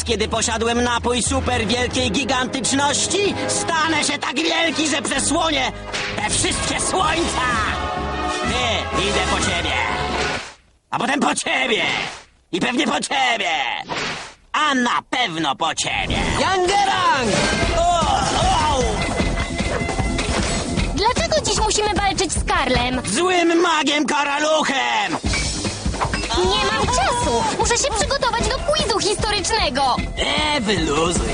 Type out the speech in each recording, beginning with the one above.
kiedy posiadłem napój super wielkiej gigantyczności, stanę się tak wielki, że przesłonię te wszystkie słońca! Ty, idę po ciebie! A potem po ciebie! I pewnie po ciebie! A na pewno po ciebie! Yangerang! Dlaczego dziś musimy walczyć z Karlem? Złym magiem karaluchem! Nie mam czasu! Muszę się przygotować do quizu historycznego! Wyluzuj!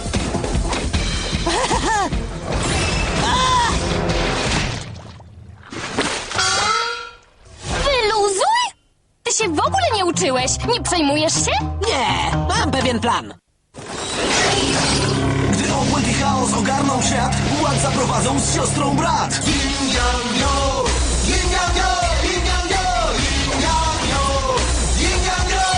Wyluzuj? Ty się w ogóle nie uczyłeś! Nie przejmujesz się? Nie, mam pewien plan. Gdy obłęd i chaos ogarną świat, ład zaprowadzą z siostrą brat. Yin yang yo, yin yang yo, yin yang yo, yin yang yo, yin yang yo.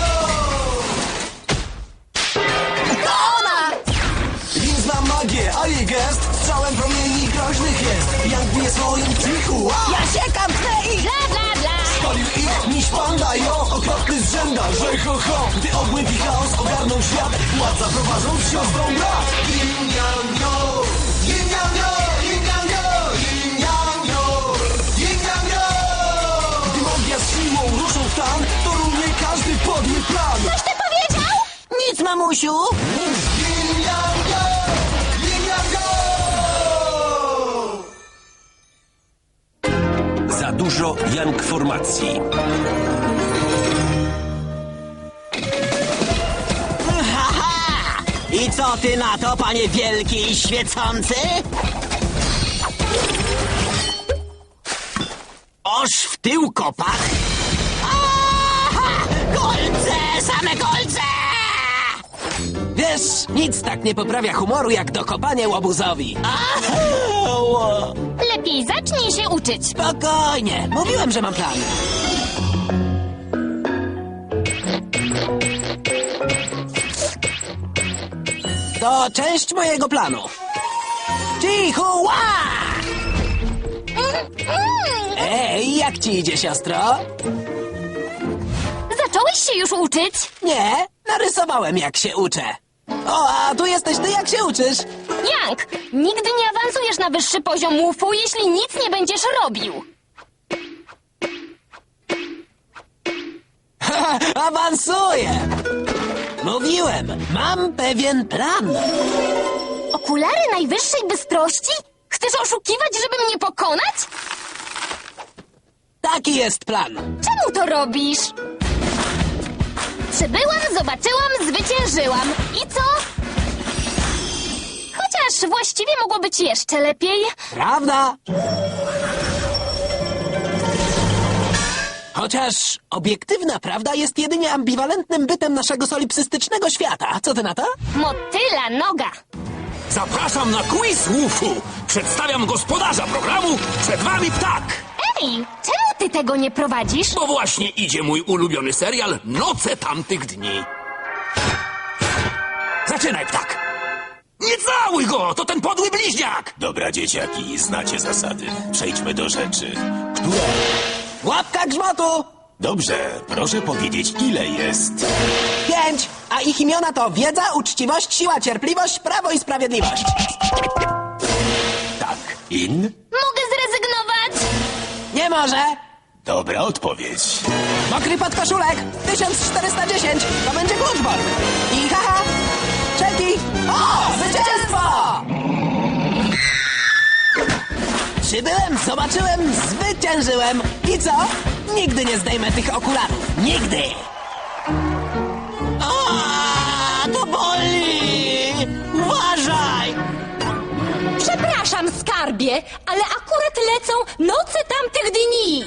To ona! Yin zna magię, a jej gest strzałem promieni groźnych jest. Yang bije swoim cichu, Ja siekam twe ich! Bla, bla, bla! palił ich niż panda, jo, okropny zrzęda, że ho ho. Gdy obłęd i chaos ogarną świat, ład zaprowadzą z siostrą brat. Yin yang yo, yin yang yo, yin yang yo, yin yang yo, yin yang yo. Gdy magia z siłą ruszą w tan, to runie każdy podły plan. Coś ty powiedział? Nic, mamusiu! Yin yang yo, yin yang yo. Za dużo Yang formacji. Haha! I co ty na to, panie wielki i świecący? Oż w tył kopach? Aha! Kolce! Same kolce! Wiesz, nic tak nie poprawia humoru jak dokopanie łobuzowi. Au! Lepiej zacznij się uczyć. Spokojnie, mówiłem, że mam plan. To część mojego planu. Chihuahua! Ej, jak ci idzie, siostro? Zacząłeś się już uczyć? Nie, narysowałem jak się uczę. O, a tu jesteś ty, jak się uczysz? Yang, nigdy nie awansujesz na wyższy poziom łufu, jeśli nic nie będziesz robił. Awansuję! Mówiłem, mam pewien plan. Okulary najwyższej bystrości? Chcesz oszukiwać, żeby mnie pokonać? Taki jest plan. Czemu to robisz? Przybyłam, zobaczyłam, zwyciężyłam. I co? Chociaż właściwie mogło być jeszcze lepiej. Prawda? Chociaż obiektywna prawda jest jedynie ambiwalentnym bytem naszego solipsystycznego świata. Co ty na to? Motyla noga. Zapraszam na quiz UFU. Przedstawiam gospodarza programu. Przed wami ptak. Ej, czemu ty tego nie prowadzisz? Bo właśnie idzie mój ulubiony serial Noce tamtych dni. Zaczynaj, ptak. Nie całuj go! To ten podły bliźniak! Dobra, dzieciaki, znacie zasady. Przejdźmy do rzeczy. Która? Łapka grzmotu! Dobrze, proszę powiedzieć, ile jest. 5, a ich imiona to wiedza, uczciwość, siła, cierpliwość, prawo i sprawiedliwość. Tak, in? Mogę zrezygnować? Nie może! Dobra odpowiedź. Mokry podkoszulek 1410, to będzie kluczbor. I haha, Czelki, o, zwycięstwo! Przybyłem, zobaczyłem, zwyciężyłem. I co? Nigdy nie zdejmę tych okularów. Nigdy! A, to boli! Uważaj! Przepraszam, skarbie, ale akurat lecą noce tamtych dni.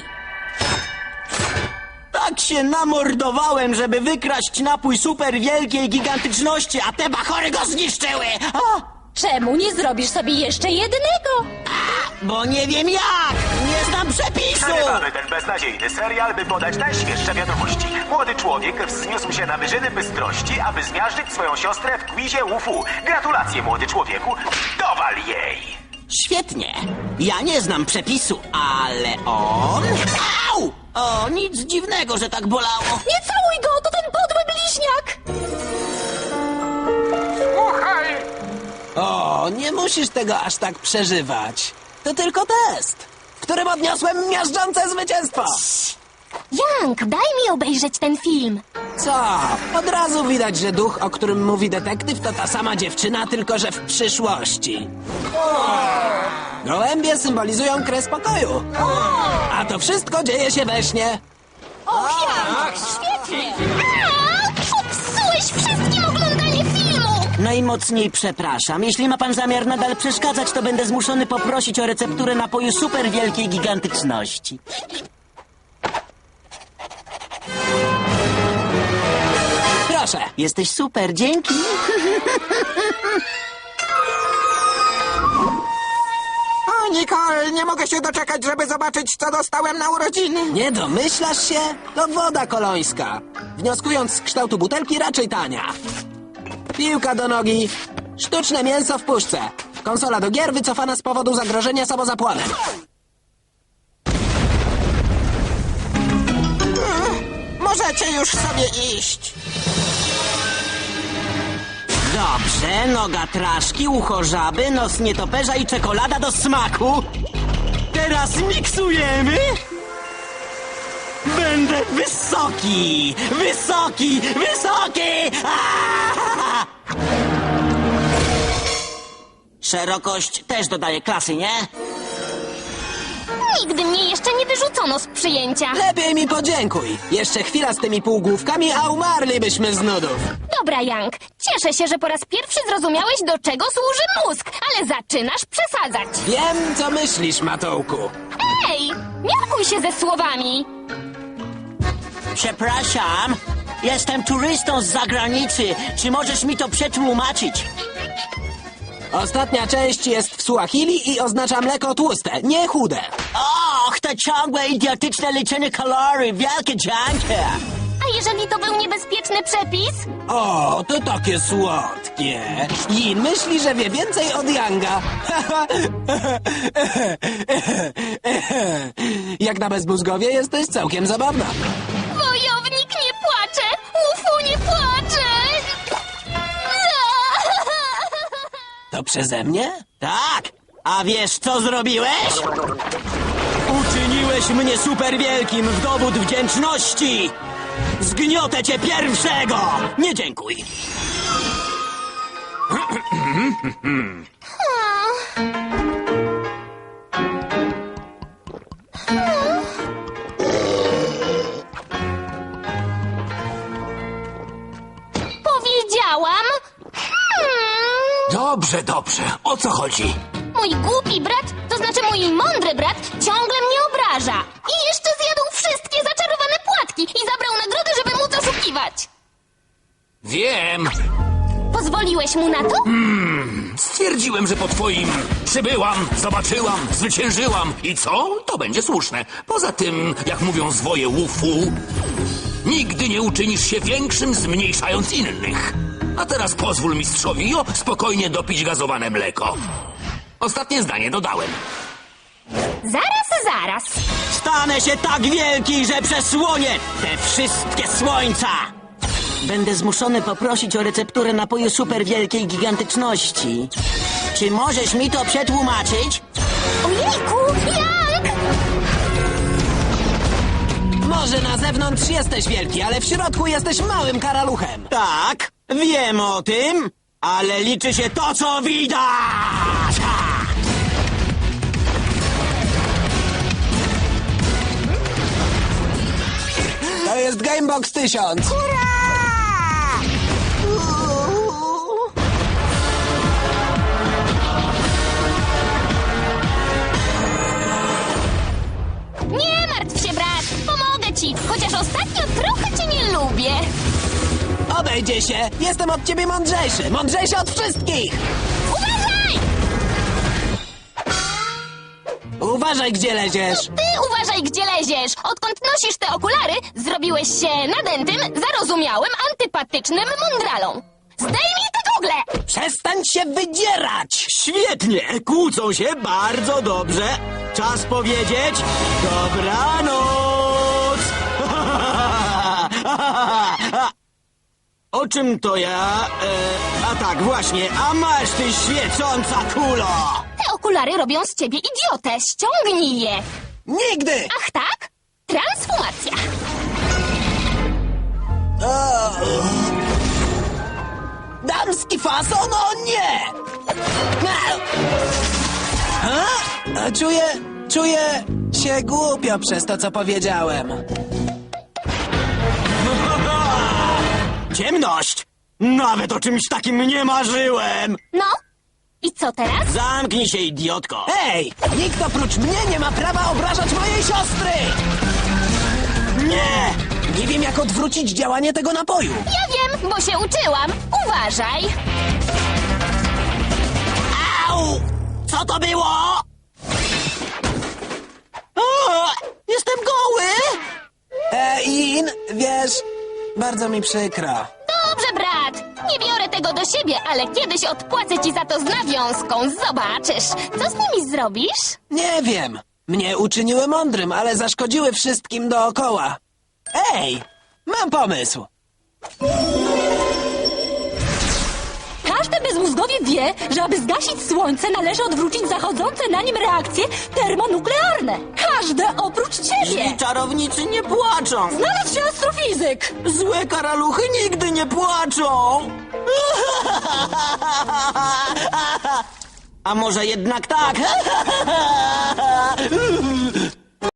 Tak się namordowałem, żeby wykraść napój super wielkiej gigantyczności, a te bachory go zniszczyły! A, Czemu nie zrobisz sobie jeszcze jednego? bo nie wiem jak! Nie znam przepisu! Przerywamy ten beznadziejny serial, by podać najświeższe wiadomości. Młody człowiek wzniósł się na wyżyny bystrości, aby zmiażdżyć swoją siostrę w quizie UFU. Gratulacje, młody człowieku. Dowal jej! Świetnie. Ja nie znam przepisu, ale on... Au! O, nic dziwnego, że tak bolało. Nie całuj go, to ten podły bliźniak! O, nie musisz tego aż tak przeżywać. To tylko test, w którym odniosłem miażdżące zwycięstwo. Jank, daj mi obejrzeć ten film. Co? Od razu widać, że duch, o którym mówi detektyw, to ta sama dziewczyna, tylko że w przyszłości. Gołębie symbolizują kres pokoju. A to wszystko dzieje się we śnie. Świetnie. Popsułeś wszystkim oglądanie filmu. Najmocniej przepraszam. Jeśli ma pan zamiar nadal przeszkadzać, to będę zmuszony poprosić o recepturę napoju super wielkiej gigantyczności. Proszę. Jesteś super, dzięki. O, Nicole, nie mogę się doczekać, żeby zobaczyć, co dostałem na urodziny. Nie domyślasz się? To woda kolońska. Wnioskując z kształtu butelki, raczej tania. Piłka do nogi. Sztuczne mięso w puszce. Konsola do gier wycofana z powodu zagrożenia samozapłonem. Możecie już sobie iść. Dobrze, noga traszki, ucho żaby, nos nietoperza i czekolada do smaku. Teraz miksujemy. Będę wysoki, wysoki, wysoki! Aaaa! Szerokość też dodaje klasy, nie? Nigdy mnie jeszcze nie wyrzucono z przyjęcia. Lepiej mi podziękuj. Jeszcze chwila z tymi półgłówkami, a umarlibyśmy z nudów. Dobra, Jank, cieszę się, że po raz pierwszy zrozumiałeś, do czego służy mózg, ale zaczynasz przesadzać. Wiem, co myślisz, Matołku. Ej, miarkuj się ze słowami. Przepraszam, jestem turystą z zagranicy. Czy możesz mi to przetłumaczyć? Ostatnia część jest w Suahili i oznacza mleko tłuste, nie chude. Och, to ciągłe idiotyczne liczenie kalorii, wielkie dzięki. A jeżeli to był niebezpieczny przepis? O, to takie słodkie. Jin myśli, że wie więcej od Yanga. Jak na bezmózgowie jesteś całkiem zabawna. Wojownik nie płacze! Ufu nie płacze! To przeze mnie? Tak, a wiesz co zrobiłeś? Uczyniłeś mnie super wielkim w dowód wdzięczności! Zgniotę cię pierwszego! Nie dziękuj! Powiedziałam... Dobrze, dobrze. O co chodzi? Mój głupi brat, to znaczy mój mądry brat, ciągle mnie obraża. I jeszcze zjadł wszystkie zaczarowane płatki i zabrał nagrody, żeby móc oszukiwać. Wiem. Pozwoliłeś mu na to? Stwierdziłem, że po twoim przybyłam, zobaczyłam, zwyciężyłam. I co? To będzie słuszne. Poza tym, jak mówią zwoje łufu, nigdy nie uczynisz się większym, zmniejszając innych. A teraz pozwól mistrzowi Jo spokojnie dopić gazowane mleko. Ostatnie zdanie dodałem. Zaraz. Stanę się tak wielki, że przesłonię te wszystkie słońca! Będę zmuszony poprosić o recepturę napoju super wielkiej gigantyczności. Czy możesz mi to przetłumaczyć? Ojejku, Jank! Może na zewnątrz jesteś wielki, ale w środku jesteś małym karaluchem. Tak, wiem o tym, ale liczy się to, co widać! Ha! To jest Gamebox 1000. Nie martw się, brat, pomogę ci, chociaż ostatnio trochę cię nie lubię. Obejdzie się. Jestem od ciebie mądrzejszy. Mądrzejszy od wszystkich. Uważaj! Uważaj, gdzie leziesz. Ty uważaj, gdzie leziesz. Odkąd nosisz te okulary, zrobiłeś się nadętym, zarozumiałym, antypatycznym mądralą. Zdejmij te gogle! Przestań się wydzierać. Świetnie, kłócą się bardzo dobrze. Czas powiedzieć dobranoc! O czym to ja? A tak, właśnie. A masz, ty świecąca kulo! Te okulary robią z ciebie idiotę. Ściągnij je. Nigdy! Ach tak? Transformacja. Damski fason? O nie! A czuję się głupio przez to, co powiedziałem. Ciemność! Nawet o czymś takim nie marzyłem! No? I co teraz? Zamknij się, idiotko! Ej! Nikt oprócz mnie nie ma prawa obrażać mojej siostry! Nie! Nie wiem, jak odwrócić działanie tego napoju. Ja wiem, bo się uczyłam. Uważaj. Au! Co to było? O, jestem goły! In, wiesz, bardzo mi przykro. Dobrze, brat. Nie biorę tego do siebie, ale kiedyś odpłacę ci za to z nawiązką. Zobaczysz. Co z nimi zrobisz? Nie wiem. Mnie uczyniły mądrym, ale zaszkodziły wszystkim dookoła. Ej, mam pomysł. Każdy bezmózgowie wie, że aby zgasić słońce, należy odwrócić zachodzące na nim reakcje termonuklearne. Każde oprócz ciebie. I czarownicy nie płaczą! Znalazł się astrofizyk. Złe karaluchy nigdy nie płaczą! A może jednak tak?